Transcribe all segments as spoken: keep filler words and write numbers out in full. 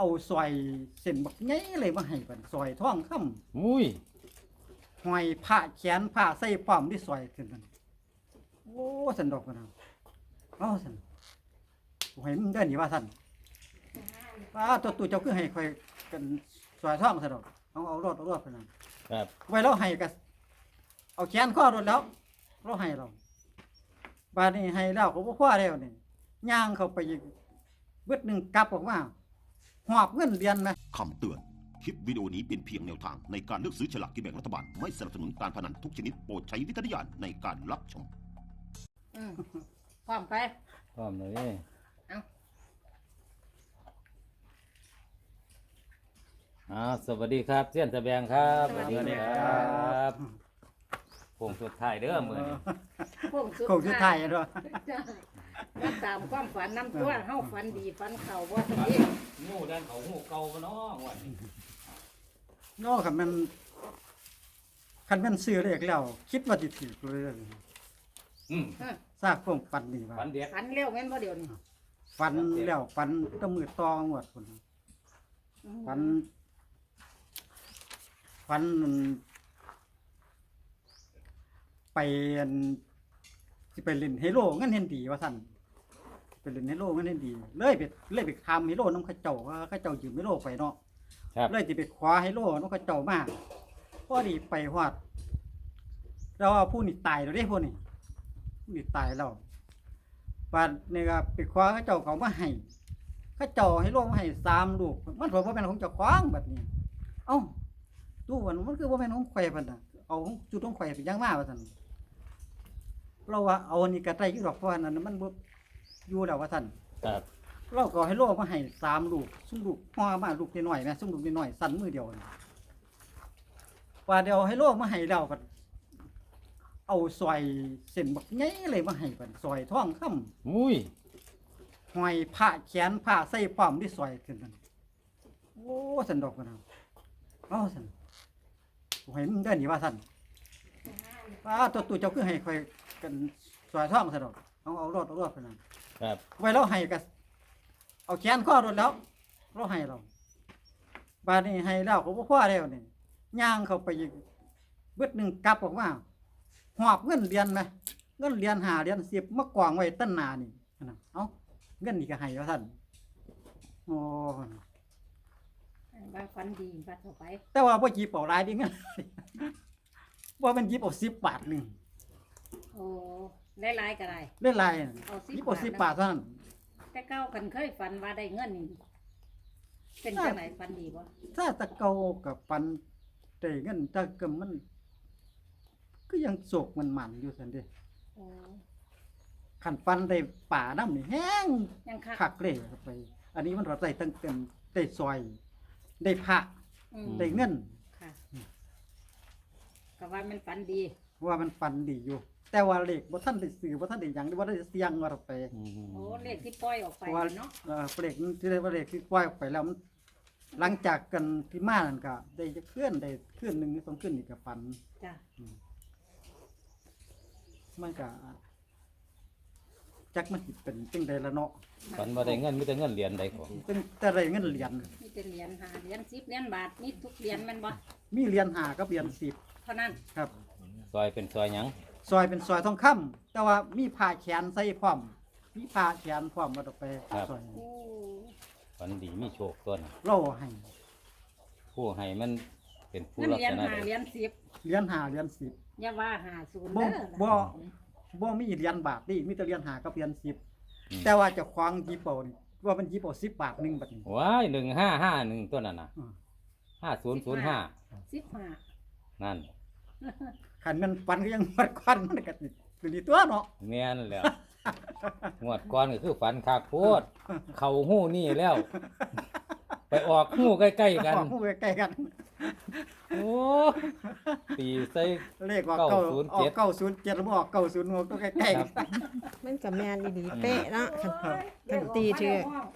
เอาซอยเส้นบักใหญ่เลยมาให้บัดซอยทองคำอุ้ยห้อยผ้าแขนผ้าใส่ป้อมที่ซอยขึ้นนั่นโอ้สันดอกกันนะเอาสันกูให้มึงได้หนิว่าสันว่าตัวตัวเจ้าคือให้คอยกันซอยทองสันดอกเอาเอารอดเอารอดไปนั่นครับไว้เราให้กันเอาแขนข้อรถแล้วเราให้เราบาดนี้ให้แล้วก็บ่พอแล้วนี่ย่างเข้าไปอีกเบิดหนึงกลับออกมาหอบเงินเดือนไหมคำเตือน คลิปวิดีโอนี้เป็นเพียงแนวทางในการเลือกซื้อฉลากกินแบ่งรัฐบาล ไม่สนับสนุนการพนันทุกชนิดโปรดใช้วิจารณญาณในการรับชมอืมพร้อมไปพร้อมเลยเอาอ่าสวัสดีครับเสี้ยนตะแบงครับสวัสดีครับบโค้งสุดท้ายเด้อมื้อนี้โค้งสุดโค้งสุดท้ายอะเนาะจ้ะมาตามความฝันน้ำตัวเฮาฝันดีฝันเข่าบ่ทันทีงูด้านเขางูเก่าบ่เนาะวันนี้เนาะคันมันคันมันซื้อเลขแล้ว คิดว่าสิถูกเลยอืมฮะทราบความฝันนี่ว่าฝันเด็ดฝันเร็วแม่นบ่เดี๋ยวนี้ฝันแล้วฝันแตะมือตองหมดคนอืมฝันฝันไปอันสิไปเล่นเฮโร่เงินเห็นดีว่าซั่นไปเล่นเฮโร่เงินเห็นดี เลยไปเลยไปคามเฮโร่น้ำเขาเจ้าว่าเขาเจ้ายืมเฮโร่ไปเนาะครับเลยสิไปคว้าเฮโร่น้ำเขาเจ้ามาพอดีไปฮอดแล้วว่าผู้นี่ตายแล้วเด้ผู้นี่ผู้นี่ตายแล้วบัดนี้ก็ไปคว้าเขาเจ้าเขามาให้เขาเจ้าเฮโร่มาให้สามลูกมันบอกว่าเป็นของเจ้าของบัดนี้ เอ้าตู้มันมันคือบ่แม่นของข่อยพันน่ะเอาของจุดของข่อยไปยังมาว่าซั่นเราว่าเอาอันนี้ก็ได้อยู่ดอกเพราะว่านั้นมันบ่อยู่แล้วว่าซั่นครับเราก็ให้โลมาให้สามลูกซุ่มลูกห่อมาลูกน้อยๆแม่ซุ่มลูกน้อยๆสั่นมือเดียวนี่ว่าเดี๋ยวให้โลมาให้แล้วก็เอาซอยเส้นบักใหญ่เลยมาให้บัดซอยทองคำอุ้ยห้อยผ้าแขนผ้าใส่ป้อมที่ซอยขึ้นนั่นโอ้สันดอกกันนะเอาสันกูให้มึงได้หนิว่าสันว่าตัวตัวเจ้าคือให้คอยกันซอยท่องสันดอกเอาเอารอดเอารอดไปนั่นครับไว้เราให้กันเอาแขนข้อรถแล้วเราให้เราบาดนี้ให้แล้วก็บ่พอแล้วนี่ย่างเข้าไปอีกเบิดหนึงกลับออกมาหอบเงินเดือนไหมเงินเดือนหาเดือนสิบมากองไว้ตั้งหนานี่นะเอ้าเงินนี่ก็ให้ว่าท่านโอ้ว่าฝันดีฝันเข้าไปแต่ว่าบ่จีบเอาหลายดิเงิน ว่ามันจีบเอาสิบบาทหนึงโอ้หลายๆก็ได้เล่นลายเอาสิบจีบเอาสิบบาทเท่านั้นแต่เก้ากันเคยฝันว่าได้เงินนี่เป็นจังไหนฝันดีบ่ถ้าตะเกากับปันได้เงินถ้าก็มัน ก็ยังโศกมันมันอยู่ซั่นเด้โอ้คันปันได้ป่าน้ำนี่แห้งยังคักคักเลยเข้าไป อันนี้มันเราได้ตั้งเต็มได้ซอย ได้พระอืมได้เงินค่ะก็ว่ามันฝันดีว่ามันฟันดีอยู่ แต่ว่าเลขบ่ทันได้ซื้อบ่ทันได้หยังบ่ได้เสียงว่าเราไปอืมโอ้เลขที่ปล่อยออกไปเพราะว่าเนาะเอ่อเลขที่ได้ว่าเลขที่ปล่อยออกไปแล้วมันหลังจากกันที่มานั่นก็ได้จะเคลื่อนได้เคลื่อนหนึงหรือสองเคลื่อนนี่ก็ฝันจ้ะมันก็จักมันสิเป็นจังไดละเนาะฝันว่าได้เงินมีแต่เงินเหรียญใดของเป็นแต่ได้เงินเหรียญมีแต่เหรียญห้าเหรียญสิบเหรียญบาทมีทุกเหรียญแม่นบ่มีเหรียญห้ากับเหรียญสิบเท่านั้นครับซอยเป็นซอยหยังซอยเป็นซอยทองคำแต่ว่ามีผ้าแขนใส่พร้อม มีผ้าแขนพร้อมมาต่อไปซอยโอ้ฝันดีมีโชคต้นเราให้ผู้ให้มันเป็นผู้เงินลักเหรียษญณะห้าใดเหรียญสิบเหรียญห้าเหรียญสิบอย่าว่าห้าศูนย์บ่เด้อบ่ บ่มีเหรียญบาทนี่มีแต่เหรียญห้ากับเหรียญสิบอืมแต่ว่าเจะควางจีโปนี่ว่ามันจีโปสิบบาทหนึงบัดนี้ว้ายหนึ่งห้าห้าหนึ่งตัวนั้นน่ะอืมห้าศูนย์ศูนย์ห้าสิบห้านั่นคันมันปันก็ยังมัดควันมันก็สิเป็นดีตัวเนาะแม่นแหล้วงวดก่อนก็คือฝันคากโพดเข่าหู้นี่แล้ว ไปออกหู้ใกล้ๆกันออกหูใกล้ๆกันโอ้ตีใส่เลขออกเก้าเก้าศูนย์ออเจ็ดกเก้าศูนย์เจ็ดแล้วบ่ออกเก้าศูนย์หกก็ใกล้ๆกันมันกับแม่นอีดีเป๊ะเนาะคันคันตีเถื่อ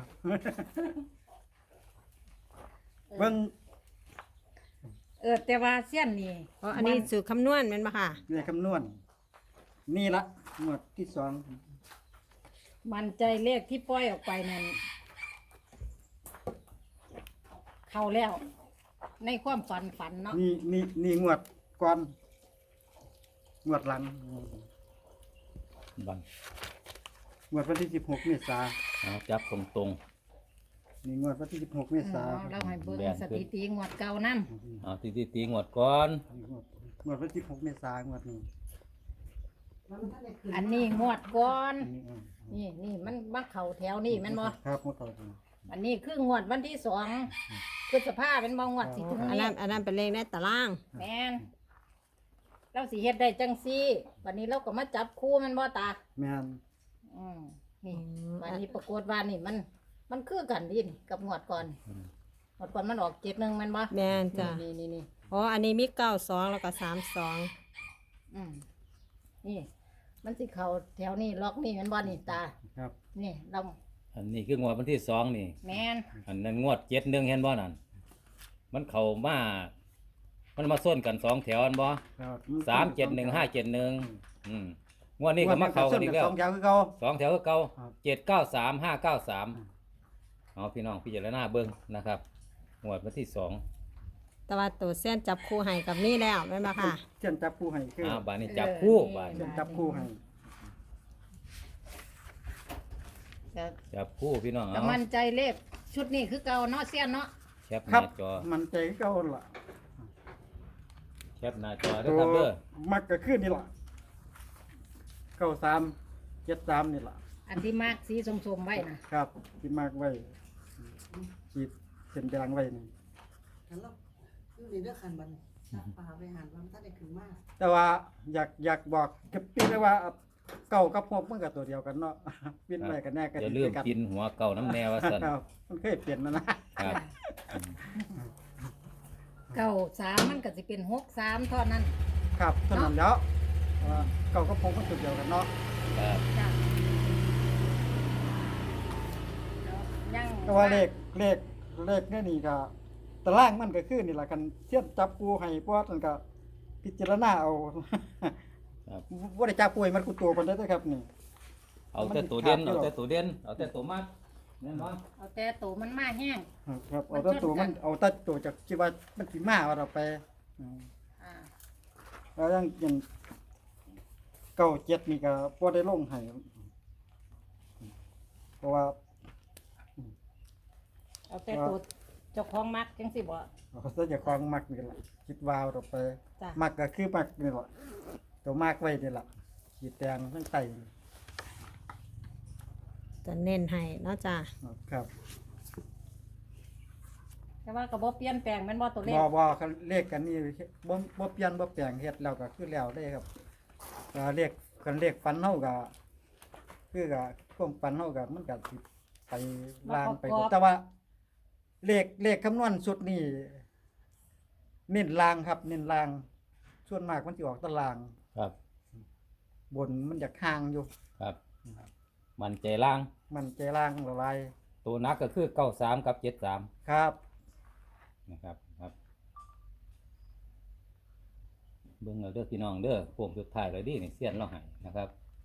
เบิ่งเออแต่ว่าเสี้ยนนี่เพราะอันนี้สูตรคำนวณแม่นบ่ค่ะเลขคำนวณ นี่ละงวดที่สองมันใจเลขที่ปล่อยออกไปนั่นเข้าแล้ว ในความฝันฝันเนาะนี่นี่นี่งวดก่อนงวดหลังบังงวดวันที่สิบหกเมษาเอาจับตรงนี่งวดวันที่สิบหกเมเอษาอเราให้เบิ่งแบ่งสถิติงวดเก่านั่นๆเอาตีตีตีงวดก่อนงวดงวดวันที่สิบหกเมษางวดนี้อันนี้งวดก่อนอันนี้อ่านี่นี่มันมาเข้าแถวนี่แม่นบ่ครับงวดต่อไปอันนี้คืองวดวันที่สองพฤษภาเป็นบ่งวดสิถึงอันนี้นั้นอันนั้นเป็นเลขในตารางแม่นเราสิเฮ็ดได้จังซี่วันนี้เราก็มาจับคู่แม่นบ่ตาแม่นอืมนี่วันนี้ปรากฏว่านี่มัน มันคือกันดินกับงวดก่อนงวดก่อนมันออกเจ็ดหนึ่งแมันบ่แม่นจ้ะนี่นี่นี่อ๋ออันนี้มีเก้าสองแล้วก็สามสองอืมนี่ มันสิเข้าแถวนี้ล็อกนี่แมันบ่นี่ตาครับนี่เราอันนี้คืองวดวันที่สองนี่แม่นอันนั้นงวดเจ็ดหนึ่งเห็นบ่นั่นมันเข้ามามันมาส้นกันสองแถวอันบ่ครับสามเจ็ดหนึ่งห้าเจ็ดหนึ่งอืมงวดนี้ก็มาเข้ากันอีกแล้วสองแถวคือเก่าสองแถวก็เก่าครับเจ็ดเก้าสามห้าเก้าสามเอาพี่น้องพิจารณาเบิ้งนะครับงวดวันที่สองแต่ว่าตัวเส้นจับคู่ให้กับนี่แล้วแม่นบ่ค่ะเช่นจับคู่ให้คืออ่าบานนี้จับคู่บานเช่นจับคู่ให้ก็จับคู่พี่น้องก็เอามั่นใจเลขชุดนี้คือเก่าเนาะเสี้ยนเนาะแคปหครัน้าบจอมันใจคือเก่าล่ะแคปหน้าจอเด้อครับเด้อมักก็คือนี่ล่ะเก้าสามเจ็ดสามนี่ล่ะอันที่มากสีส้มๆไว้นะครับที่มากไว้ขีดเส้นยางไว้นี่หันแล้วคือในเรื่องคันบันซักปลาไปหันมันถ้าได้ขึ้นมากแต่ว่าอยากอยากบอกกับพี่เลยว่าเก่ากับพวกมันก็ตัวเดียวกันเนาะ ปิ้นไว้กันแน่กันอย่าลืมกินหัวเก่าน้ำแนวว่าซั่นครับมันเคยเปลี่ยนนะนะครับเก้าสามมันก็สิเป็นหกสามเท่านั้นครับเท่านั้นแล้วว่าเก่ากับพวกมันตัวเดียวกันเนาะครับจ้ะยังแต่ว่าเลขเลขเลขนี่นี่ก็ตารางมันก็คือนี่แหละกันเทียบจับปูให้พวกมันก็พิจารณาเอาครับว่าได้จับปูให้มันกูตัวคนได้อครับนี่เอาแต่ตัวเด่นเอาแต่ตัวเด่นเอาแต่ตัวมากแน่นอนเอาแต่ตัวมันมาแห้งครับเอาแต่ตัวมันเอาแต่ตัวจากที่ว่ามันสิมาว่าเราไปอืมอ่าแล้วยังยังเก้าเจ็ดนี่ก็พอได้ลงให้เพราะว่าเอาแต่ตัวเจ้าของมักจังสิบ่เขาจะจะคลองมักนี่แหละคิดวาวเราไปจ้ะมักก็คือมักนี่แหละตัวมากไว้นี่แหละขีดแดงทั้งไตจะเน้นให้เนาะจ้ะครับแต่ว่าก็บ่เปลี่ยนแปลงแม่นบ่ตัวเลขบ่บ่เขาเลขกันนี่บ่บ่เปลี่ยนบ่แปลงเฮ็ดแล้วก็คือแล้วได้ครับก็เลขกันเลขฟันเฮาก็คือก็ความฟันเฮาก็มันก็สิไปลางไปหมดแต่ว่า เลขเลขคำนวณสุดนี่เน้นลางครับ เน้นลาง ส่วนมากมันสิออกตารางครับบนมันจะห่างอยู่ครับ มันใจล่างมันใจล่างละลายตัวนักก็คือเก้าสามกับเจ็ดสามครับนะครับครับเบิ่งเอาเด้อพี่น้องเด้อโค้งสุดท้ายเลยดินี่เสี้ยนเราให้นะครับ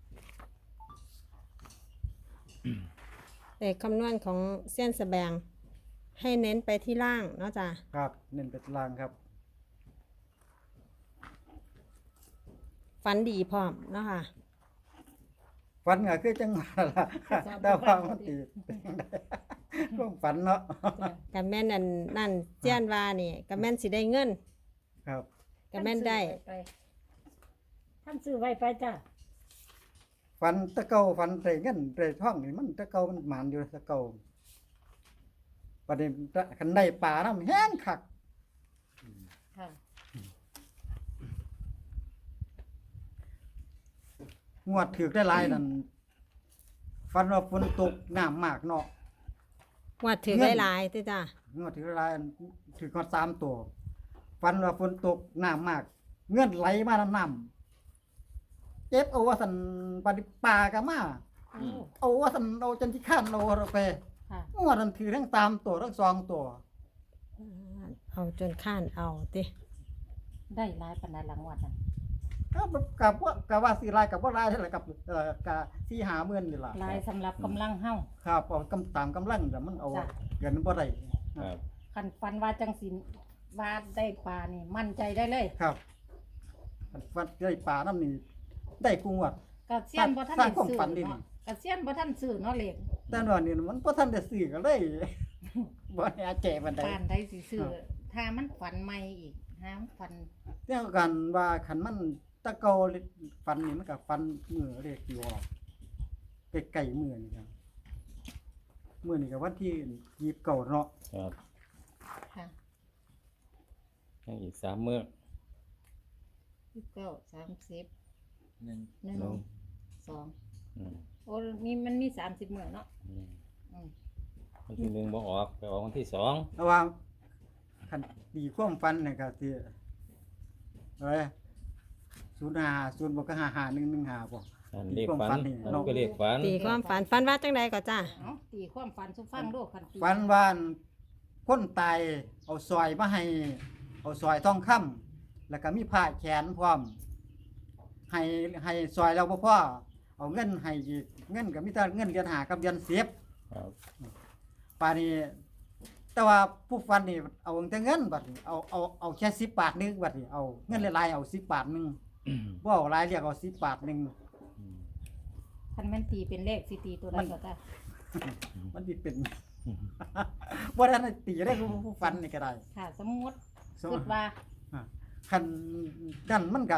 เลขคำนวณของเส้นสแบงให้เน้นไปที่ล่างเนาะจ้ะครับ เน้นเป็นลางครับฝันดีพร้อมเนาะค่ะฝันก็คือจังหวะละดาวฟังมันตีเป็นจังไดก็ฝันเนาะกับแม่นนั่นนั่นเจียนว่านี่กับแม่นสิได้เงินครับกับแม่นได้ท่านซื้อไว้ไปจ้ะฝันตะเกาฝันใส่เงินใส่ท่องนี่มันตะเกามันหมานอยู่ตะเกาประเด็นคันได้ปลาน้ำแห้งคักค่ะงวดถือได้หลายนั่นฝันว่าฝนตกน้ำมากเนาะวัดถือเงินได้หลายติจ้ะงวดถือได้หลายอันถือมาสามตัวฝันว่าฝนตกน้ำมาก เงื่อนไหลมาน้ำน้ำเจ็บเอาว่าสันปฏิปลากะมาอืมเอาว่าสันเอาจนที่ข้านเอาเราไปค่ะงวดนั้นถือทั้งตามตัวทั้งสองตัวเอาจนข้านเอาติได้หลายปานใดหลังวัดน่ะกับกับว่ากับว่าสีลายกับว่าลายเท่าไหร่กับเอ่อกับสี่หาเมื่อนนี่ล่ะหลายสำหรับกำลังเฮาครับเอากำตามกำลังแต่มันเอาจ้ะเกินบ่ได้ครับคันนฟันว่าจังสินว่าได้ปลานี่มั่นใจได้เลยครับคันฟันได้ปลาน้ำนี่ได้กูงวดกระเซียนบ่ทันสร้างได้ความซื้อฝันดิเนาะกระเซียนบ่ทันซื้อเนาะเลขแต่ว่านี่มันบ่ทันได้ซื้อก็เลย บ่ได้อาแจบันไดปานได้สิซื้อถ้ามันฝันใหม่อีกถ้ามันฝันเรื่องกันว่าคันมันตะเกาฟันนี่มันก็ฟันมือเลขอยู่ออกไกลๆมือนี่ครับมือนี่ก็วันที่ยี่สิบเก้าเนาะครับค่ะยังอีกสามมื้อยี่สิบเก้า สามสิบหนึ่งหนึ่งหนึ่งสองอืมโอ้มีมันมีสามสิบมื้อเนาะอืมอืมวันที่หนึ่งบ่ออกไปออกวันที่สองแต่ว่าคันดีความฟันนี่ก็สิเอ้ยศูนย์ห้าศูนย์บ่ก็ห้าห้าหนึ่งหนึ่งห้าบ่อันเลขฝันความฝันนี่อันเนาะก็เลขฝันตีความฝันฝันว่าจังใดก็จ้าเอ้าตีความฝันสุฟังดูคันตีฟันว่าคนตายเอาซอยมาให้ เอาซอยทองคำแล้วก็มีผ้าแขนพร้อม ให้ให้ซอยแล้วบ่พอเอาเงินให้อีกเงินก็มีแต่เงินเดือนห้ากับเดือนสิบครับป่านนี้แต่ว่าผู้ฟันนี่เอาแต่เงินบัดนี้เอาเอาเอาแค่สิบบาทหนึงบัดนี้เอาเงินหลายๆเอาสิบบาทหนึงบ่เอาหลายเรียกเอาสิบบาทหนึงอืมคันแม่นตีเป็นเลขสิตีตัวใดก็ได้มันสิเป็น บ่ได้ตีได้ผู้ผู้ฟันนี่ก็ได้ค่ะสมมุติสมคิดว่าคันนั่นมันก็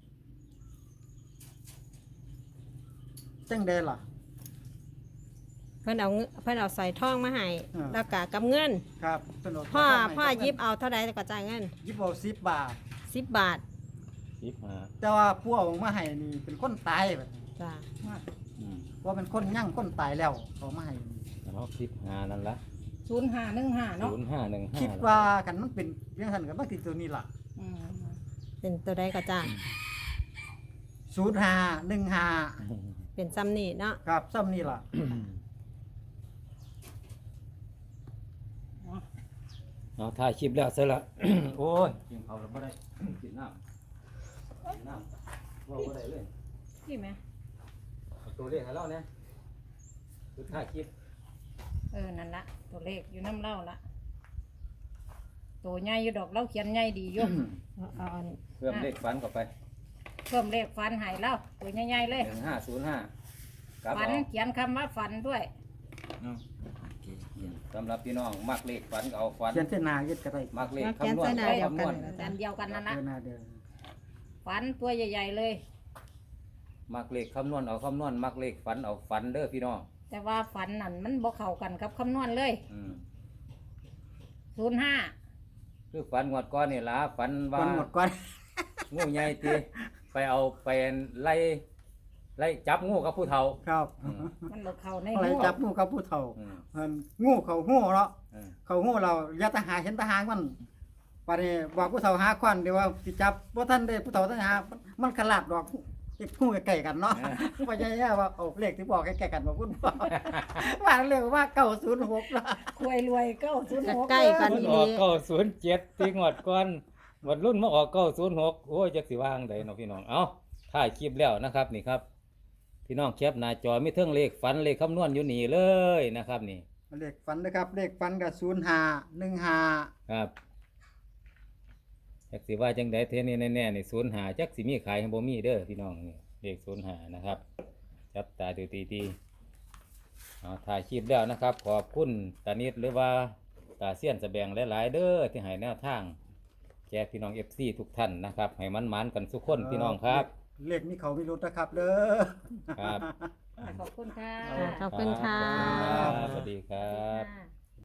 จังได๋ล่ะเพิ่นเอาเงินเพิ่นเอาใส่ทองมาให้อ่าแล้วก็กับเงินครับเพิ่นเาพ่อทงให้พ่อกับหยิบเอาเท่าใดก็จ่ายเงินหยิบเอาสิบบาทสิบบาทสิบห้าแต่ว่าผู้เอามาให้นี่เป็นคนตายบัดนี้จ้าอืมว่าเป็นคนยั่งคนตายแล้วเอามาให้นี่เอาสิบห้านั่นละศูนย์ห้าหนึ่งห้าเนาะศูนย์ห้าหนึ่งห้าคิดว่ากันมันเป็นเรื่องทันกันมันติดตัวนี้ล่ะอืมเป็นตัวใดก็จ้าศูนย์ห้าหนึ่งห้าเป็นซ้ำนี่เนาะครับซ้ำนี่ล่ะเอาถ่ายคลิปแล้วเสร็จละ โอ้ยกินเขาวแล้วบ่ได้ กินน้ำกินน้ำว่าบ่ได้เลยพี่ไหมเอาตัวเลขให้เราเนี่ยคือถ่ายคลิปเออนั่นละตัวเลขอยู่น้ำเล่าละตัวใหญ่อยู่ดอกเล่าเขียนใหญ่ดีอยู่เอาเอาอันเพิ่มเลขฝันเข้าไปเพิ่มเลขฟันใหายเล่าตัวใหญ่ๆเลยหนึ่งห้าศูนย์ห้ากับฝันเอาเขียนคำว่าฝันด้วยสำหรับพี่น้องมักเลขฝันก็เอาฝันเขียนเส้นหนาเย็ดก็ได้มักเลขแล้วแกนคำนวณใส่หน้าก็เดียวคำนกันวณนะอัจ้านเดียวกันนั่นเดิละนหน้าเดินฝันตัวใหญ่ๆเลยมักเลขคำนวณเอาคำนวณมักเลขฝันเอาฝันเด้อพี่น้องแต่ว่าฝันนั่นมันบ่เข้ากันกับคำนวณเลยอืมศูนย์ห้าคือฝันงวดก้อนนี่ล่ะฝันก่ว่าอนหมดก่อนงูใหญ่ตีไปเอาไปไล่ไล่จับงูกับผู้เฒ่าครับอืมมันบ่เข้าในอะไรหัวจับงูกับผู้เฒ่าอืมเพิ่นงูเขาหู้เนาะอืมเขาหู้เราอย่าทหารเห็นทหารมันปานนี้บอกผู้เฒ่าหาควันเดี๋ยวว่าสิจับบ่ทันได้ผู้เฒ่าทหารมันขลาดดอกเก็บงูใกล้ๆกันเนาะว่าใหญ่ๆว่าเอาเลขที่บอกใกล้ๆกันบ่คุณพ่อ ว่าเร็วว่าเก้าศูนย์หกล่ะควยรวยเก้าศูนย์หกใกล้กันมันออกเก้าศูนย์เจ็ดตีงวดก่อนวันรุ่นมาออกเก้าศูนย์หกโอ้ยจักสิว่างใดเนาะพี่น้องเอาถ่ายคลิปแล้วนะครับนี่ครับ พี่น้องแคปหน้าจอมีเทิงเลขฝันเลขคำนวณอยู่นี่เลยนะครับนี่เลขฟันนะครับ เลขฟันก็ศูนย์ห้าหนึ่งห้าครับจักสิว่าจังใดเทนี่แน่ๆนี่ศูนย์หาจักสิมีขายให้บ่มีเด้อพี่น้องนี่เลขศูนย์หานะครับ จับตาดูตีๆเอาถ่ายคลิปแล้วนะครับ ขอบคุณตานิดหรือว่าตาเสี้ยนแสบงหลายๆเด้อที่ให้แนวทางแก่พี่น้อง เอฟ ซี ทุกท่านนะครับ ให้มันมันๆกันทุกคนพี่น้องครับเลขนี้เขาไม่รู้นะครับเด้อครับขอบคุณค่ะขอบคุณค่ะครับสวัสดีครับค่ะ